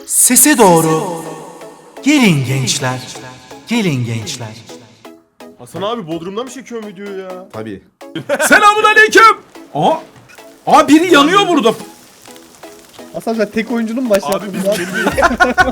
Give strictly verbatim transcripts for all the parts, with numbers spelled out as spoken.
Sese doğru. Gelin gençler. Gelin gençler. Hasan abi Bodrum'dan mı çekiyorsun videoyu ya? Tabii. Selamun aleyküm. Aha. Aa biri yanıyor burada. Hasan sen tek oyuncunun mu başlattın? Abi biz ya? belli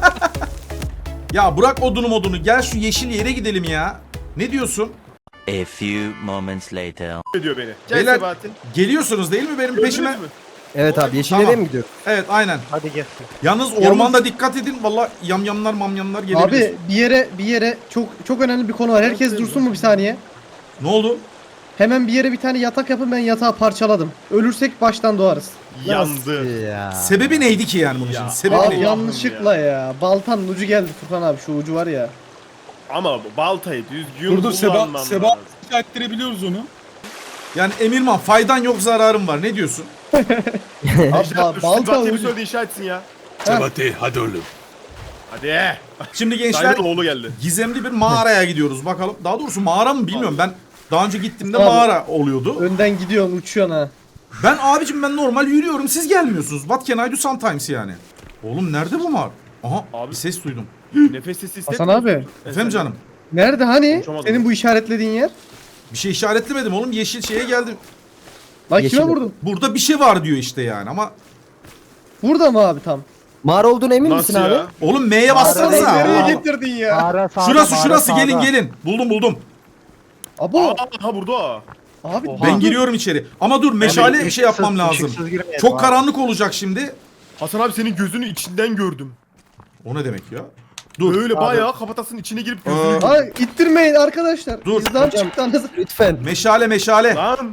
Ya bırak odunu modunu. Gel şu yeşil yere gidelim ya. Ne diyorsun? A few moments later. ediyor beni. Gel Beyler Sebahattin. geliyorsunuz değil mi benim peşime? Gördünüz mü? Evet abi yeşil Tamam. yere mi gidiyor? Evet aynen. Hadi gel. Yalnız ormanda dikkat edin. Valla yamyamlar mamyamlar gelebilir. Abi bir yere bir yere çok çok önemli bir konu var. Herkes dursun mu bir saniye? Ne oldu? Hemen bir yere bir tane yatak yapın, ben yatağı parçaladım. Ölürsek baştan doğarız. Yandı. Sebebi neydi ki yani bunun için? Ya. Sebebi Abi neydi? yanlışlıkla ya. Baltanın ucu geldi Furkan abi, şu ucu var ya. Ama bu baltayı düzgün Dur dur Seba, kullanman Seba lazım. ettirebiliyoruz onu. Yani Emirman faydan yok zararım var. Ne diyorsun? Abi İşaret- ba- şu balta Sebahattin bir ucu. söyledi inşa etsin ya. Sebati hadi oğlum. Hadi. Şimdi gençler Dayımın oğlu geldi. gizemli bir mağaraya gidiyoruz bakalım. Daha doğrusu mağara mı bilmiyorum. Ben daha önce gittiğimde Abi. mağara oluyordu. Önden gidiyorsun, uçuyorsun ha. Ben abicim ben normal yürüyorum, siz gelmiyorsunuz. What can I do sometimes yani? Oğlum nerede bu mağara? Aha Abi. bir ses duydum. Nefes sesi Hasan hissetmiyor abi. musun? Efendim canım. Nerede hani? Konuşamadım. Senin bu işaretlediğin yer? Bir şey işaretlemedim oğlum, yeşil şeye geldim. Lan kime vurdun? Burada bir şey var diyor işte yani ama. Burada mı abi tam? Mağara olduğuna emin Nasıl misin ya? abi? Oğlum M'ye bassanıza. Nereye Allah Allah. getirdin ya? Mağara sağda, Şurası mağara şurası sağda. gelin gelin. Buldum buldum. Abo. Aa, ha burada. Abi Ben giriyorum içeri. Ama dur meşale bir şey yapmam lazım. ışıksız girmeyelim Çok abi. karanlık olacak şimdi. Hasan abi senin gözünün içinden gördüm. O ne demek ya? Dur. Böyle bayağı kafatasının içine girip gözünü Aa. gördüm. Ay ittirmeyin arkadaşlar. Dur. Bizden çıktı anasını. Lütfen. Meşale meşale. Lan.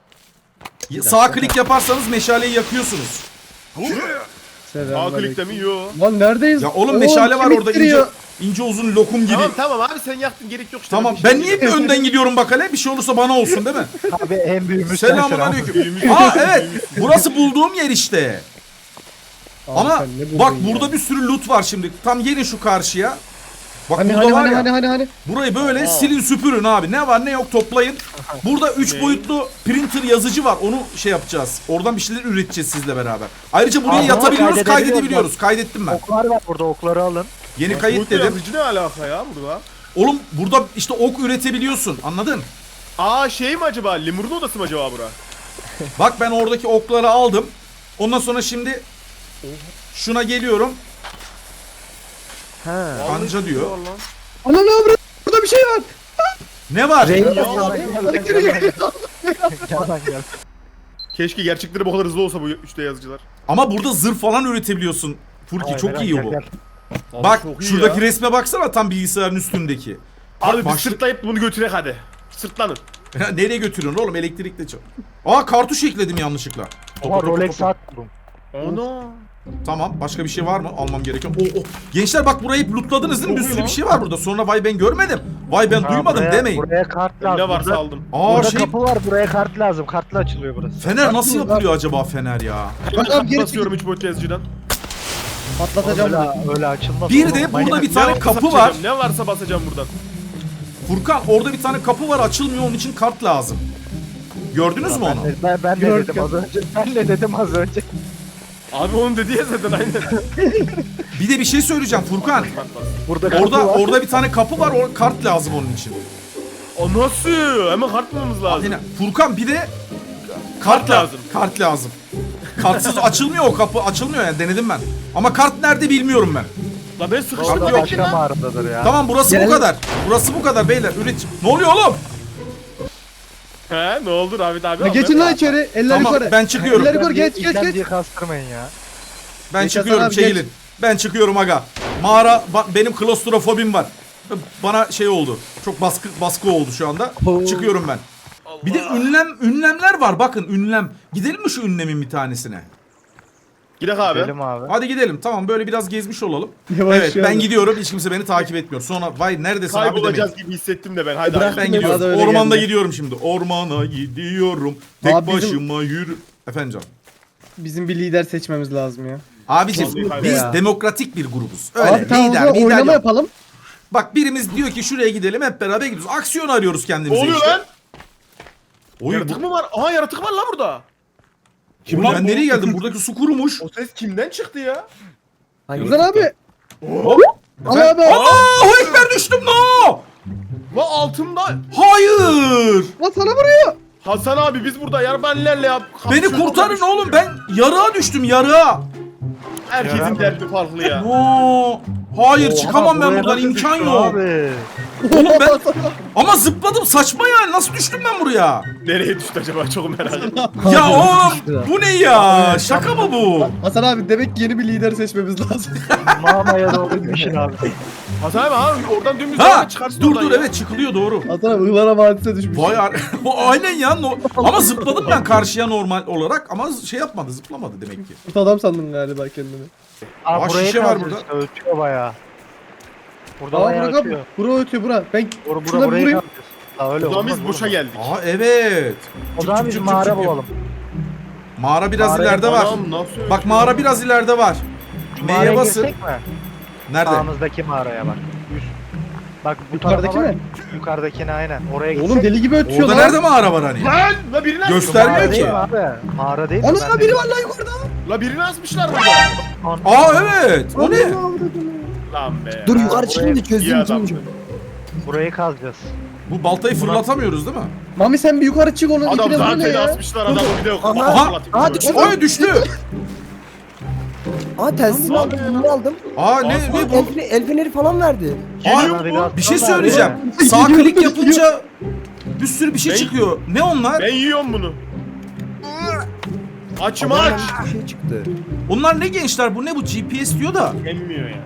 Sağ klik yaparsanız meşaleyi yakıyorsunuz. Sağ klikte mi? Yo. Lan neredeyiz? Ya oğlum meşale var kim orada ince, ittiriyor? ince uzun lokum gibi. Tamam tamam abi sen yaktın, gerek yok işte. Tamam Bir şey ben niye bir önden gidiyorum bak hele, bir şey olursa bana olsun değil mi? Abi en büyüğümüz Selamun sensin abi. aleyküm. Aa evet, burası bulduğum yer işte. Abi Ama sen ne buldun bak ya? burada bir sürü loot var şimdi. Tam gelin şu karşıya. Bak Hani burada hani var hani ya. hani hani hani. Burayı böyle silin süpürün abi. Ne var ne yok toplayın. Burada üç Ne? boyutlu printer yazıcı var. Onu şey yapacağız. Oradan bir şeyler üreteceğiz sizle beraber. Ayrıca buraya Aha, yatabiliyoruz, kaydedebiliyoruz kaydedebiliyoruz. Kaydettim ben. Oklar var burada, okları alın. Yeni kayıt Kayıt dedim. yazıcı ne alaka ya burada? Oğlum burada işte ok üretebiliyorsun. Anladın? Aa şey mi acaba? Lemur'un odası mı acaba bura? Bak ben oradaki okları aldım. Ondan sonra şimdi şuna geliyorum. Ha. Kanca diyor. Var lan. Ana ne yapıyorsun? Burada bir şey var. Ne var? Renk Ya, yalan gel. Keşke gerçekleri bu kadar hızlı olsa bu üç D yazıcılar. Ama burada zırh falan üretebiliyorsun. Furki çok iyi bu. Abi Bak çok iyi şuradaki ya. resme baksana, tam bilgisayarın üstündeki. Abi bir başlık- sırtlayıp bunu götürek hadi. Sırtlanın. Nereye götürüyorsun oğlum, elektrikle çal. Aa kartuş ekledim yanlışlıkla. Ama Topa, topa, Rolex topa. saat buldum. Ana. Tamam, başka bir şey var mı almam gereken? Oh, oh. Gençler bak burayı hep lootladınız değil mi? Bir Çok iyi sürü lan. bir şey var burada. Sonra vay ben görmedim. Vay ben Ha, duymadım buraya- demeyin. Buraya kart lazım. Ne varsa burada, aldım. Aa burada şey, kapı var, buraya kart lazım. Kartla açılıyor burası. fener nasıl Bak, yapılıyor acaba fener ya? Ben abi, geri basıyorum üç boyutlu yazıcıdan. Patlatacağım bunu. Öyle, öyle açılmaz. Bir oğlum, de manyak. burada bir Ne tane varsa kapı var. basacağım, Ne varsa basacağım buradan. Furkan orada bir tane kapı var, açılmıyor, onun için kart lazım. Gördünüz mü onu? Ben, ben, ben de Gördüm. dedim az önce. Ben de dedim az önce. Abi onun dediği ya zaten aynen. Bir de bir şey söyleyeceğim Furkan. Burada kapı Orada var. orada bir tane kapı var, o kart lazım onun için. O nasıl? Hemen kart bulmamız lazım. Yine Furkan bir de Kart kart lazım. lazım. Kart lazım. Kartsız açılmıyor o kapı, açılmıyor yani, denedim ben. Ama kart nerede bilmiyorum ben. La ben sıkıştım Orada lan. başka mağaradadır ya. Tamam burası Gel. bu kadar. Burası bu kadar beyler. Üret. Ne oluyor oğlum? He ne oldu Rahmet abi? Ya geçin lan içeri. Eller Tamam yukarı. ben çıkıyorum. Eller yukarı, geç geç İlkem geç. diye kastırmayın ya. Ben Geç çıkıyorum, Hasan abi, çekilin. Ben çıkıyorum aga. Mağara ba- benim klostrofobim var. Bana şey oldu. Çok baskı baskı oldu şu anda. Çıkıyorum ben. Bir de ünlem ünlemler var. Bakın ünlem. Gidelim mi şu ünlemin bir tanesine? Gidelim abi. Gidelim abi. Hadi gidelim. Tamam böyle biraz gezmiş olalım. Yavaş Evet ben yavaş. gidiyorum. Hiç kimse beni takip etmiyor. Sonra vay neredesin abi demeyin. Kaybolacağız gibi hissettim de ben. Haydi Bırak abi. Ben Bana da gidiyorum. öyle Ormanda geldi. gidiyorum şimdi. Ormana gidiyorum. Tek Abi bizim- başıma yürü. Efendim canım. Bizim bir lider seçmemiz lazım ya. Abicim Vallahi biz ya. demokratik bir grubuz. Öyle Abi tamam o lider, zaman lider oynama yok. yapalım. Bak birimiz diyor ki şuraya gidelim, hep beraber gidiyoruz. Aksiyon arıyoruz Ne kendimize oluyor işte. lan? Oy, Yaratık bu, mı var? Aha yaratık var lan burada. Oğlum ben nereye geldim? Buradaki su kurumuş. O ses kimden çıktı ya? Hangi? Güzel abi. Hop. Al Efendim? abi. Allahu Ekber düştüm no. La altımda. Hayır. Lan sana vuruyor. Hasan abi biz burada yarbanlerle yap. Beni kurtarın oğlum, ben yarığa düştüm yarığa. Herkesin derdi farklı ya. No. Hayır çıkamam ben Buraya buradan, nasıl imkan düştün yok. Abi. Oğlum ben ama zıpladım, saçma yani, nasıl düştüm ben buraya? Nereye düştü acaba çok merak ettim. Ya oğlum bu ne ya? Şaka mı bu? Hasan abi demek ki yeni bir lider seçmemiz lazım. Mamaya doğru gitmişsin abi. Hasan abi abi oradan dümdüz Ha ha, çıkarsın dur oradan dur ya. evet çıkılıyor doğru. Hasan abi Ihlara Vadisi'ne düşmüş. Vay ar- o aynen ya no- ama zıpladım ben karşıya normal olarak ama şey yapmadı, zıplamadı demek ki. Kurt adam sandın galiba kendini. Abi Aa, burayı şişe var kazacağız burada. işte, ötüyor bayağı. Burada Aa bayağı Burak ötüyor. abi. Bura ötüyor bura. Ben Bura, bura, şuna bir burayı vurayım. kazacağız. Ha öyle O zaman olmaz. biz boşa olmaz. geldik. Aa evet. O zaman biz Cık, cık, mağara cık, cık. bulalım. Mağara biraz Mağaraya ileride var. Anam, nasıl Bak mağara biraz ileride var. Mağaraya M'ye basın. girsek mi? Nerede? Sağımızdaki mağaraya bak. Üst. Bak bu Yukarıdaki tarafa bak. mi? Yukarıdakine aynen. Oraya gitsek. Oğlum deli gibi ötüyor Orada lan. nerede mağara var hani? Lan! La birini asmışlar. Göstermiyor Mağara ki. değil mi abi? Mağara değil mi? Ana Ben de- biri var lan yukarıda. La birini asmışlar burada. Aa evet. O ne? Lan be. Dur Ha, yukarı buraya- çıkayım da İyi çözeyim adamsın. sonucu. Burayı kazacağız. Bu baltayı fırlatamıyoruz değil mi? Mami sen bir yukarı çık onun Adam ipine vur ne zaten ya. asmışlar adamı bir de yok. Aha. Aha, düştü. Oy düştü. Aa telsizimi aldım, bunu aldım. Aa ne ne bu? El, feneri- el feneri falan verdi. Geliyor Aa, mu? bir şey Navigasyon söyleyeceğim. var Sağ klik yapınca bir sürü bir şey Ben- çıkıyor. Ne onlar? Ben yiyorum bunu. Açım Adamdan aç. bir şey çıktı. Onlar ne gençler? Bu ne bu? G P S diyor da. Emmiyor ya.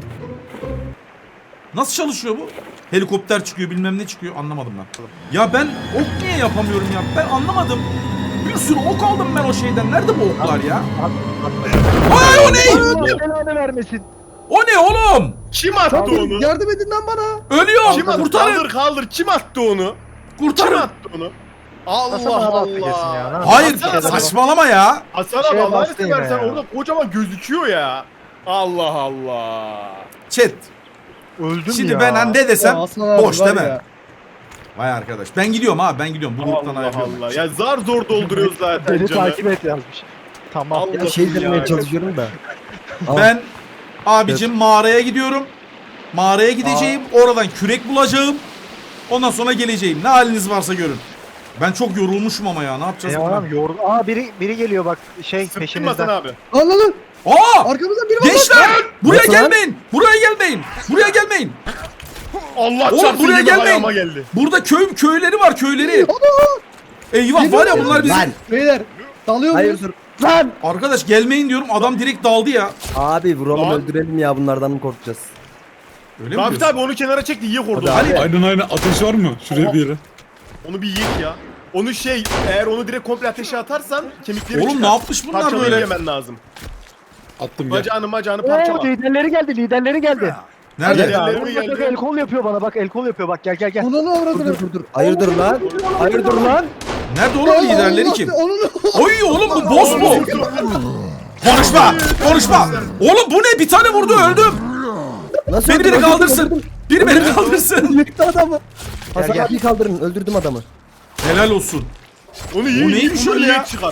Nasıl çalışıyor bu? Helikopter çıkıyor, bilmem ne çıkıyor. Anlamadım ben. Ya ben ok niye yapamıyorum ya? Ben anlamadım. Bir sürü ok aldım ben o şeyden. Nerede bu oklar ya? Ay o ne? Allah belanı vermesin. O ne oğlum? Kim attı onu? Yardım edin lan bana. Ölüyorum. Kim attı? Kurtarın. Kaldır kaldır. Kim attı onu? Kim Kurtarın. attı onu? Nasıl Allah mağara attı kesin ya? Allah. Nasıl Hayır attı kesin? saçmalama ya. Hasan Şeye abi Allah'ını bastı yine seversen ya. orada kocaman gözüküyor ya. Allah Allah. Chat. Öldüm Şimdi ya. ben hani ne Ya desem Hasan abi boş var değil mi? ya. Vay arkadaş. Ben gidiyorum abi ben gidiyorum. Bu gruptan Allah ayrılıyorum. Allah. Ya zar zor dolduruyoruz zaten Beni canım. takip et yazmış. Tamam. Allah- Ya şey demeye Ya. çalışıyorum da. Ama Ben abicim mağaraya gidiyorum. Mağaraya gideceğim. Oradan kürek bulacağım. Ondan sonra geleceğim. Ne haliniz varsa görün. Ben çok yorulmuşum ama ya. Ne yapacağız? Ya buna? adam yordu. Aa biri biri geliyor bak şey Sıktın peşinizden. Hasan abi. Al lan lan. Aa! Arkamızdan biri var lan. Gençler! Buraya Nasıl lan? gelmeyin. Buraya gelmeyin. Buraya gelmeyin. Allah Oğlum, çarpsın buraya gibi gelmeyin. ayağıma geldi. Burada köy köyleri var, köyleri. Eyvah var ya bunlar bizim. Lan. Beyler. Dalıyor hayır muyuz? dur. Lan. Arkadaş gelmeyin diyorum. Adam direkt daldı ya. Abi vuralım Lan. öldürelim ya bunlardan mı korkacağız? Öyle mi Rafet diyorsun? abi onu kenara çek de yiye kordu. Hadi abi. Aynen aynen ateş var mı? Şuraya bir yere. Onu bir yiyek ya. Onu şey eğer onu direkt komple ateşe atarsan kemikleri Oğlum çıkar. ne yapmış bunlar Parçalayıp böyle? yemen lazım. Attım gel. Bacağını macağını Oo parçala. liderleri geldi liderleri geldi. Nerede? Hadi. Ya, Liderleri bak, bak, geldi. el kol yapıyor bana bak el kol yapıyor bak gel gel gel. Onu ne Dur avradını? dur dur dur. Hayırdır lan? Hayırdır lan? Nerede oğlum liderleri kim? Onu ne? Oy oğlum bu boss mu? Konuşma! Konuşma! Oğlum bu ne? Bir tane vurdu öldüm. Nasıl Beni öldürdün? biri Öldürdüm, kaldırsın. öldürdüm. Biri beni kaldırsın. Yıktı adamı. Hasan gel. abiyi kaldırın. Öldürdüm adamı. Helal olsun. Onu yiyin. Bu neymiş onu öyle yiyek ya? çıkar.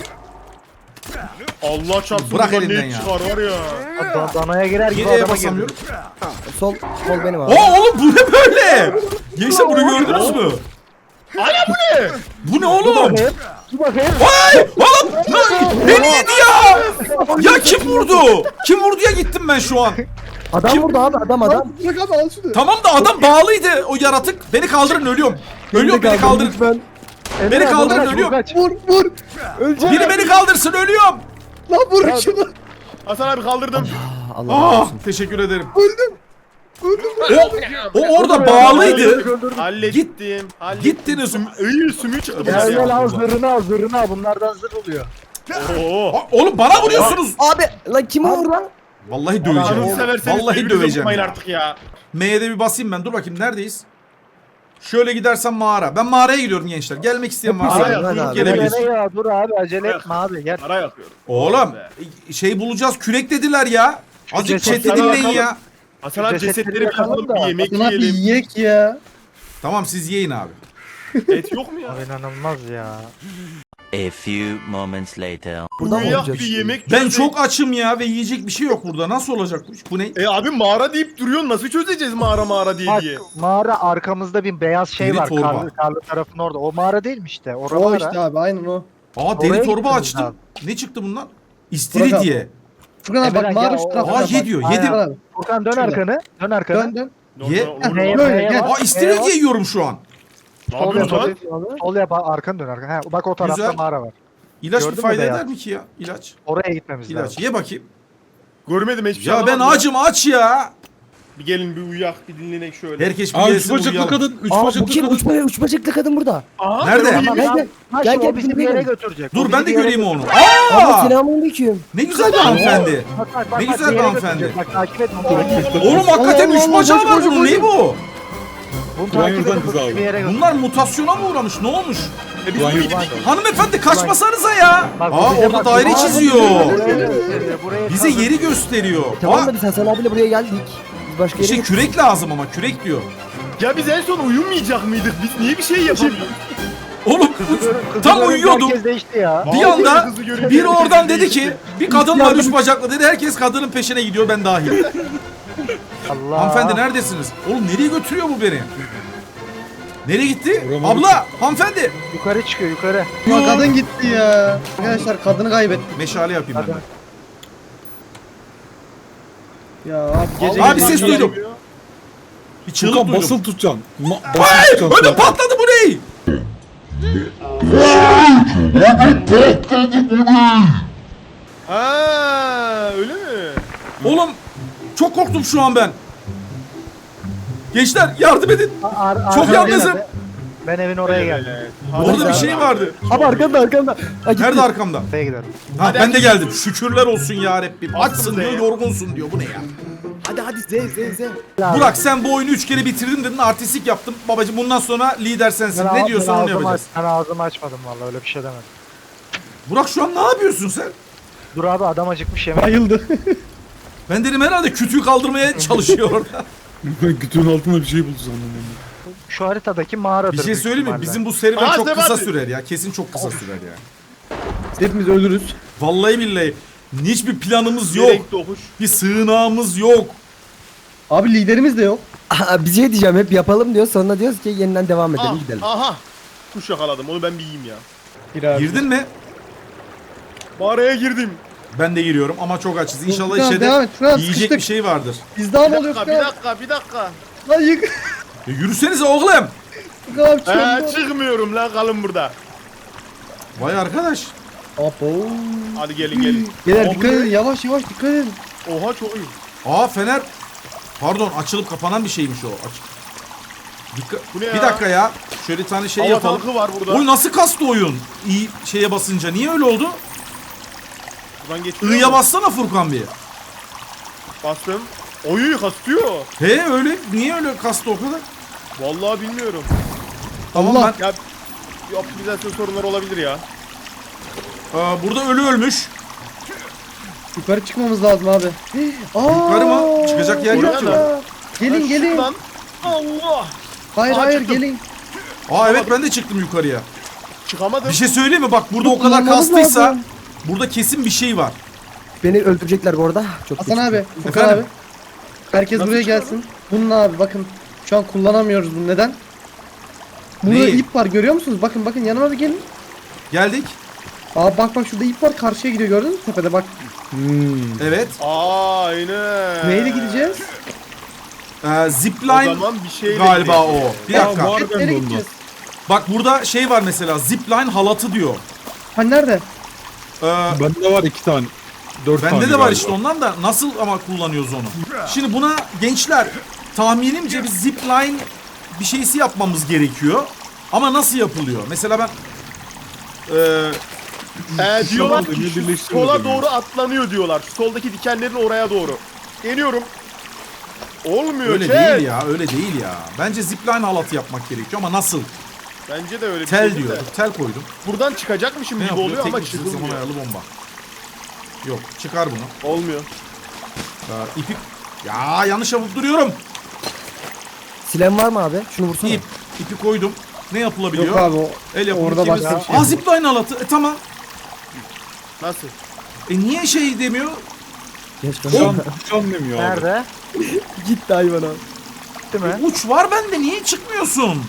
Allah çarpsın. Bırak bundan elinden ne ya. çıkar var ya. Dan- Danaya girer gibi Geriye adama girdi. basamıyorum. Sol sol benim abi. Aa oğlum bu ne böyle? Gençler bunu gördünüz mü? Ana bu ne? Bu ne oğlum? Bakayım. Dur bakayım. Ay! Oğlum! Ne- Beni yedi ya! Ya kim vurdu? Kim vurdu ya gittim ben şu an. Adam Kim- vurdu abi adam adam. Bırak abi al şunu. Tamam da adam bağlıydı o yaratık. Beni kaldırın ölüyorum. Ölüyorum beni kaldırın. Lütfen. Emre Beni abi, kaldırın, kaç, ölüyorum. kaç. Vur vur. Biri beni kaldırsın ölüyorum. Lan vur şunu. Hasan abi kaldırdım. Allah Ah olsun. teşekkür ederim. Öldüm. O, o orada bağlıydı. Hallettim. Hallettim. Gittiniz. Süm iyi sümüğü çıktı Gel bunlar gel ya. al zırhını al zırhını al bunlardan zırh oluyor. Oo. Aa, Oğlum bana vuruyorsunuz. Abi lan kim vurdu lan? Vallahi Canını döveceğim. severseniz Vallahi birbirinize döveceğim. vurmayın ya. artık ya. M'ye de bir basayım ben. Dur bakayım neredeyiz? Şöyle gidersem mağara. Ben mağaraya gidiyorum gençler. Gelmek isteyen varsa Mağaraya buyurun abi. gelebilir. Gel ya dur abi acele etme abi gel. Para yapıyorum. Oğlum şey bulacağız. Kürek dediler ya. Azıcık cesetleri chat'i dinleyin yakalım. ya. Hasan abi Cesetleri cesetleri bir yakalım yakalım da. bir yemek Hasan abi yiyelim. yiyek ya. Tamam siz yiyin abi. Et yok mu ya? Abi inanılmaz ya. A few moments later. Buradan mı Uyuyak olacak? bir yemek Ben çözecek. çok açım ya ve yiyecek bir şey yok burada. Nasıl olacak bu iş? Bu ne? E abi mağara deyip duruyorsun. Nasıl çözeceğiz mağara mağara diye Bak diye. mağara arkamızda bir beyaz şey Deri var. torba. Karlı, karlı tarafın orada. O mağara değil mi işte? Orada O mağara. işte abi aynen o. Aa deri Oraya torba gitmemiz açtım. lazım. Ne çıktı bundan? Burak İstiridye. Furkan abi bak Emre, mağara gel, şu o- tarafta. Aa bak. ye diyor. Aynen. Yedim. Furkan abi. Furkan dön Şurada. arkanı. Dön arkanı. Dön dön. Ye. Normal- Neye- Böyle, neye gel. bak, Aa neye istiridye bak. yiyorum şu an. Ne Sol yapıyorsun yap, lan? sol yap, arkanı dön arkanı. Ha, bak o tarafta Güzel. mağara var. İlaç Gördün bir mü fayda beyaz? eder mi ki ya? İlaç. Oraya gitmemiz İlaç. lazım. Ye bakayım. Görmedim hiçbir şey Ya ben anlamadım ya. acım aç ya. Bir gelin bir uyak bir dinlenek şöyle. Herkes bir Aa üç gelsin bacaklı uyuyalım. kadın. Üç Aa bu bacaklı kim? kadın. Uç, uç bacaklı kadın burada. Aha, Nerede? ben onu Tamam, yiyeyim. Gel gel. Ha, Gel şimdi gel o bizi bizim bir yere yere. götürecek. O Dur bizi ben de bir yere göreyim onu. götürecek. Ama Aa! selamünaleyküm. Ne güzel bir hanımefendi. Bak, bak, bak, Ne bak, güzel bir yere hanımefendi. götürecek. Bak takip et bunu. Oğlum hakikaten Allah üç Allah, bacağı koş, var koş, bunun. koş. Ne bu? Bunu Ulan takip yürüden et. kız Bu abi. bizi bir yere götürecek. Bunlar mutasyona mı uğramış? Ne olmuş? E biz Ulan bunu yürü. yedik. Hanımefendi kaçmasanıza ya. Bak, bu Aa bize orada bak, daire buraya- çiziyor. Buraya gösteriyor, buraya Bize kazın. yeri gösteriyor. Tamam Aa, da biz Hasan abiyle buraya geldik. Biz başka yere işte gittik. kürek lazım ama kürek diyor. Ya biz en son uyumayacak mıydık? Biz niye bir şey yapamıyoruz? Oğlum Kızı tam görünce uyuyordum. Herkes değişti ya. Bir Vallahi anda kızı görünce biri herkes oradan dedi değişti. ki bir kadın var üç bacaklı dedi. Herkes kadının peşine gidiyor ben dahil. Allah. Hanımefendi neredesiniz? Oğlum nereye götürüyor bu beni? Nereye gitti? Uğramadı. Abla, hanımefendi. Yukarı çıkıyor yukarı. Ya kadın gitti ya. Arkadaşlar kadını kaybettik. Meşale yapayım ben. de. Ya abi gece Abi gece- ses duydum. Bir çığlık Furkan duydum. basılı tutacaksın. Ma basılı Ay, tutacaksın. ödüm patladı bu ne? Ha öyle mi? Oğlum çok korktum şu an ben. Gençler yardım edin. Ar- ar- Çok ar- yalnızım. Ben evin oraya geldim. Evet. Orada bir şey vardı. Abi arkanda arkanda. Ha, gitti. Nerede arkamda? Oraya gidelim. Ha Hadi ben de hadi. geldim. Şükürler olsun ya Rabbim. Aslında Açsın diyor, ya. yorgunsun diyor. Bu ne ya? Hadi hadi Z Z Z. Burak sen bu oyunu üç kere bitirdin dedin. Artistik yaptın. Babacım bundan sonra lider sensin. Ben Ne ağ- diyorsan ben onu ağzımı yapacağız. aç- Ben ağzımı açmadım vallahi öyle bir şey demedim. Burak şu an ne yapıyorsun sen? Dur abi adam acıkmış yemek. Bayıldı. Ben dedim herhalde kütüğü kaldırmaya çalışıyor orada. Kütüğün altında bir şey buldu sandım ben. Şu haritadaki mağaradır. Bir şey büyük söyleyeyim mi? ihtimalle. Bizim bu serüven Aa, çok Sebahattin. kısa sürer ya. Kesin çok kısa sürer ya. Hepimiz ölürüz. Vallahi billahi. Hiçbir planımız yok. Gerek dokuş. Bir sığınağımız yok. Abi liderimiz de yok. Aa, bir şey diyeceğim hep yapalım diyor. Sonra diyoruz ki yeniden devam edelim Ah, gidelim. aha. Kuş yakaladım. Onu ben bir yiyeyim ya. Gir abi. Girdin mi? Mağaraya girdim. Ben de giriyorum ama çok açız. İnşallah Furkan, içeride devam et. Furkan, yiyecek sıkıştık. bir şey vardır. Biz daha Bir mı oluyor dakika, bir Furkan? dakika, bir dakika. Lan yık. E, yürüsenize oğlum. Furkan abi He, çözdü. çıkmıyorum lan kalın burada. Vay arkadaş. Abo. Hadi gelin gelin. Beyler Aa, dikkat bu ne? edin yavaş yavaş dikkat edin. Oha çok iyi. Aa fener. Pardon açılıp kapanan bir şeymiş o. Aç. Dikkat. Bu ne Bir ya? dakika ya. Şöyle bir tane şey Hava yapalım. tankı var burada. Oy nasıl kastı oyun? İyi şeye basınca. Niye öyle oldu? Buradan geçiyor I'ya mu? bassana Furkan bir. Bastım. Oyu kastıyor. He öyle. Niye öyle kastı o kadar? Vallahi bilmiyorum. Tamam Allah. ben. Ya bir optimizasyon sorunları olabilir ya. Aa, burada ölü ölmüş. Yukarı çıkmamız lazım abi. Aa, Yukarı mı? Çıkacak yer yok ki. Oraya Gelin Ha, gelin. şuradan- Allah. Hayır Aa, hayır çıktım. gelin. Aa evet ben de çıktım yukarıya. Çıkamadım. Bir şey söyleyeyim mi? Bak burada o kadar Kullanmamız kastıysa lazım. burada kesin bir şey var. Beni öldürecekler bu arada. Çok Hasan geç. abi. Furkan Efendim? abi. Herkes Nasıl buraya çıkıyorum? gelsin. Bunun abi bakın. Şu an kullanamıyoruz bunu. Neden? Burada Neyi? ip var görüyor musunuz? Bakın bakın yanıma bir gelin. Geldik. Aa bak bak şurada ip var karşıya gidiyor gördünüz mü tepede bak. Hmm. Evet. Aynen. Neyle gideceğiz? Ee, O zipline zaman bir şeyle galiba gidelim. o. Bir Ya, dakika. var. Nereye ben de gideceğiz? Bak burada şey var mesela zipline halatı diyor. Ha nerede? Ee, Bende var iki tane. Dört tane bende de var galiba. işte ondan da nasıl ama kullanıyoruz onu. Şimdi buna gençler tahminimce bir zipline bir şeysi yapmamız gerekiyor. Ama nasıl yapılıyor? Mesela ben ee, Ee, diyorlar Şuradan ki da şu birleştiriyoruz sola yani. doğru atlanıyor diyorlar. Şu soldaki dikenlerin oraya doğru. Geliyorum. Olmuyor öyle chat. değil ya, öyle değil ya. Bence zipline halatı yapmak gerekiyor ama nasıl? Bence de öyle bir Tel şey diyor. de. Tel koydum. Buradan çıkacakmışım Ne gibi yapıyor? oluyor ama Teknik çizgi zaman çıkılmıyor. ayarlı bomba. Yok, çıkar bunu. Olmuyor. Ee, ipi... Ya yanlış yapıp duruyorum. Silen var mı abi? Şunu vursana. İp. İpi koydum. Ne yapılabiliyor? Yok abi o. El yapımı orada ikimiz. başka bir şey Aa yok. zipline halatı. E tamam. Nasıl? E niye şey demiyor? Geç Can, can demiyor abi. Nerede? Gitti hayvan abi. Gitti mi? E, uç var bende, niye çıkmıyorsun?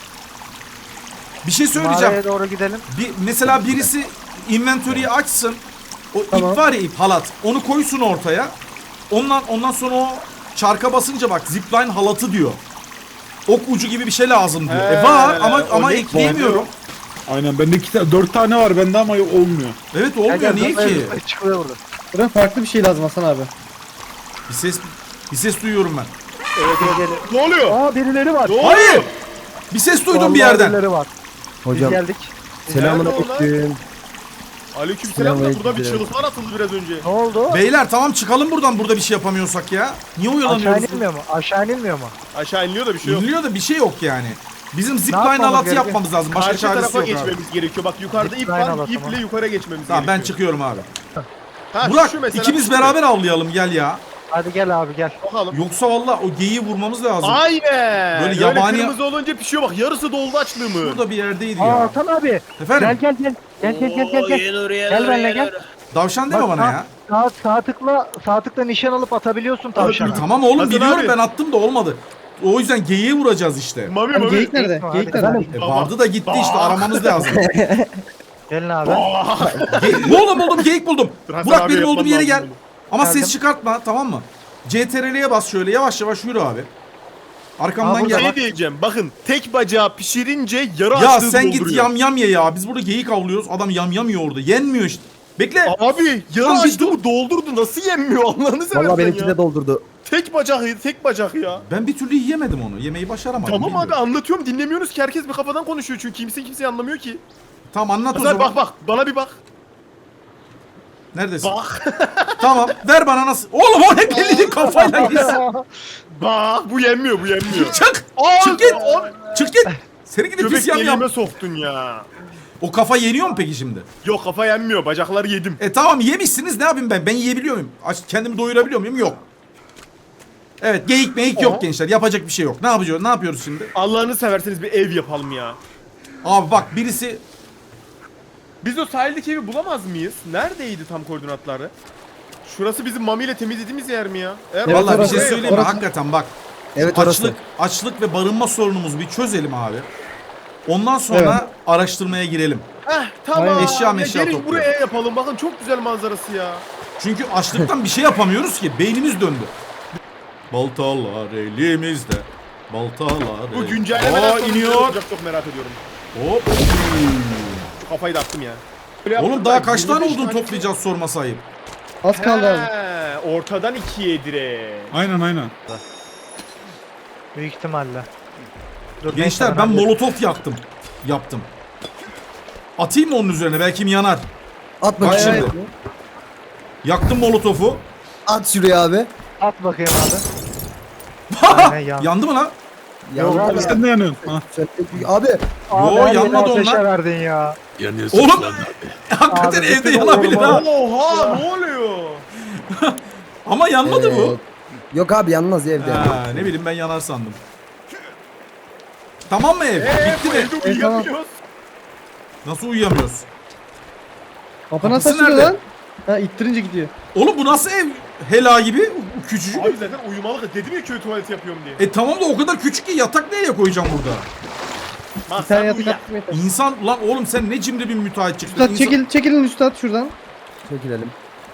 Bir şey söyleyeceğim. Mağaraya doğru gidelim. Bir, mesela birisi inventory'yi açsın. O Tamam. ip var ya, ip halat. Onu koysun ortaya. Ondan ondan sonra o çarka basınca bak zipline halatı diyor. Ok ucu gibi bir şey lazım diyor. He, e var ama o ama ne- ekleyemiyorum. Aynen bende iki tane, dört tane var bende ama olmuyor. Evet olmuyor, Gel, gel, niye gel. ki? Çıkıyor burada. Buna farklı bir şey lazım Hasan abi. Bir ses bir ses duyuyorum ben. Evet evet. Ne oluyor? Aa birileri var. Ne oluyor? Hayır. Bir ses duydum bir Vallahi yerden. Birileri var. Hocam Biz geldik. selamun Nerede onlar? aleyküm. Aleykümselam da Selam burada bir aleyküm. çığlıklar atıldı biraz önce. Ne oldu? Beyler tamam çıkalım buradan, burada bir şey yapamıyorsak ya. Niye Aşağı oyalanıyoruz? inilmiyor mu? Aşağı inilmiyor mu? Aşağı iniliyor da bir şey yok. İniliyor da bir şey yok yani. Bizim zipline yapmamız halatı gerekiyor? yapmamız lazım. Başka Karşı çaresi tarafa yok abi. geçmemiz gerekiyor. Bak yukarıda ip Zipline var. halatı mı? İple yukarı geçmemiz Tamam ben gerekiyor. çıkıyorum abi. Ha, Burak şu mesela, ikimiz şu. beraber avlayalım gel ya. Hadi gel abi gel. Bakalım. Yoksa valla o geyiği vurmamız lazım. Aynen. Böyle Böyle yabani- kırmızı olunca pişiyor bak. Yarısı doldu açlığımı. Burada bir yerdeydi Aa ya. Hasan abi. Efendim? Gel gel gel. Gel gel gel gel. Gel, gel benimle gel. Davşan deme Bak, bana sağ- ya. Sağ, sağ tıkla sağ tıkla nişan alıp atabiliyorsun tavşana. Tamam oğlum Hasan biliyorum abi. ben attım da olmadı. O yüzden geyiği vuracağız işte. Mami Hani mami. geyik nerede? Geyik mi? Geyik Hadi. nerede? E, vardı da gitti işte, aramamız lazım. Gelin abi. Ge- buldum buldum geyik buldum. Hasan Burak abi benim yapman olduğum yere lazım gel. bunu. Ama Geldim. ses çıkartma, tamam mı? C T R L'ye bas şöyle, yavaş yavaş yürü abi. Arkamdan Aa, burada gel. Şey diyeceğim. Bakın tek bacağı pişirince yarı Ya açlığı sen git dolduruyor. yam yam ye ya. Biz burada geyik avlıyoruz. Adam yam yam yiyor orada. Yenmiyor işte. Bekle. Abi yarı Lan bir açlığımı doldurdu. Nasıl yenmiyor Allah'ını seversen Valla benimki ya. de doldurdu. Tek bacak tek bacak ya. Ben bir türlü yiyemedim onu. Yemeyi başaramadım. Tamam abi bilmiyorum. anlatıyorum dinlemiyoruz ki herkes bir kafadan konuşuyor çünkü kimse kimseyi anlamıyor ki. Tamam anlat o Hasan zaman. bak bak bana bir bak. Neredesin? Bak. Tamam. Ver bana nasıl. Oğlum o ne belli kafayla yesin. Bak bu yenmiyor bu yenmiyor. Çık. Aa, Çık git. aa, Çık git. Seni gidip Göbek pis yam yam. deliğime soktun ya. O kafa yeniyor mu peki şimdi? Yok kafa yenmiyor bacakları yedim. E tamam yemişsiniz, ne yapayım ben? Ben yiyebiliyor muyum? Aç, kendimi doyurabiliyor muyum? Yok. Evet geyik meyik yok Aha. gençler. Yapacak bir şey yok. Ne yapacağız? Ne yapıyoruz şimdi? Allah'ını severseniz bir ev yapalım ya. Abi bak birisi Biz o sahildeki evi bulamaz mıyız? Neredeydi tam koordinatları? Şurası bizim Mami ile temizlediğimiz yer mi ya? Eğer Evet, vallahi bir orası- şey söyleyeyim mi? orası- Hakikaten bak. Evet orası. Açlık, açlık ve barınma sorunumuzu bir çözelim abi. Ondan sonra araştırmaya girelim. Heh tamam. Aynen. Eşya Ya meşya gelin topluyor. buraya yapalım bakın çok güzel manzarası ya. Çünkü açlıktan bir şey yapamıyoruz ki. Beynimiz döndü. Baltalar elimizde. Baltalar Bu el- güncellemeden Aa, sonra neler iniyor. olacak çok merak ediyorum. Hop. Şu kafayı da attım ya. Böyle yaptım Oğlum daha ben, kaç tane yirmi beş odun toplayacağız sorma sahip. Az kaldı abi. He, ortadan ikiye direkt. Aynen aynen. Büyük ihtimalle. Dur, neyse, Gençler ben hallederim. molotof yaktım. Yaptım. Atayım mı onun üzerine? Belki yanar. At Bak bakayım. şimdi. Yaktım molotofu. At şuraya abi. At bakayım abi. Aynen, yan. Yandı mı lan? Yok abi. Sen de yanıyorsun. Ha. Sen- Abi Abi, Yo, her yeri yanmadı ateşe onlar. verdin ya. Oğlum hakikaten Abi, evde bütün yanabilir ha. Oha ne oluyor? Ama yanmadı bu. Ee, Yok abi yanmaz ya evde. Ha, ne bileyim ben yanar sandım. Tamam mı ev? Eee Bitti bu mi? evde uyuyamıyoruz. Nasıl uyuyamıyoruz? Kapı nasıl Kapısı açılıyor nerede? lan? Ha ittirince gidiyor. Oğlum bu nasıl ev? Hela gibi küçücük. Abi zaten uyumalık dedim ya köy tuvaleti yapıyorum diye. E tamam da o kadar küçük ki yatak nereye koyacağım burada? Bak Bir tane sen yatak uyu. attım yeter. İnsan lan oğlum sen ne cimri bir müteahhit çıktın. Üstad İnsan- çekil, çekilin üstad şuradan. Çekilelim.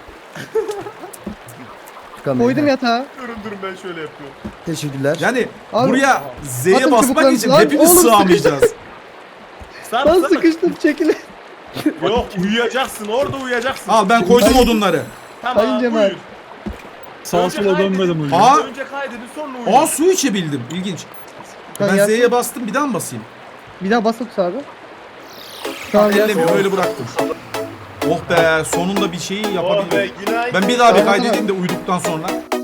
Çıkamayın. Koydum yatağı. Durun durun ben şöyle yapıyorum. Teşekkürler. Yani Abi, buraya Z'ye atın basmak çubuklarınızı için lan. hepimiz Oğlum, sığamayacağız. Sar Lan sar. sıkıştım çekilin. Yok uyuyacaksın orada uyuyacaksın. Al ben koydum Hayır. odunları. Tamam Sayın Cemal. uyuyun. Sağa Önce sola kaydedin. dönmedim uyuyor. Aa. Önce kaydedin sonra uyuyun. Aa su içebildim. İlginç. Lan Ben yatsın. Z'ye bastım bir daha mı basayım? Bir daha bas tut abi. Tamam Ellemiyor ya. öyle bıraktım. Oh be sonunda bir şeyi Oh be yapabildim. günaydın. Ben bir daha bir Tamam, kaydedeyim de tamam. uyuduktan sonra.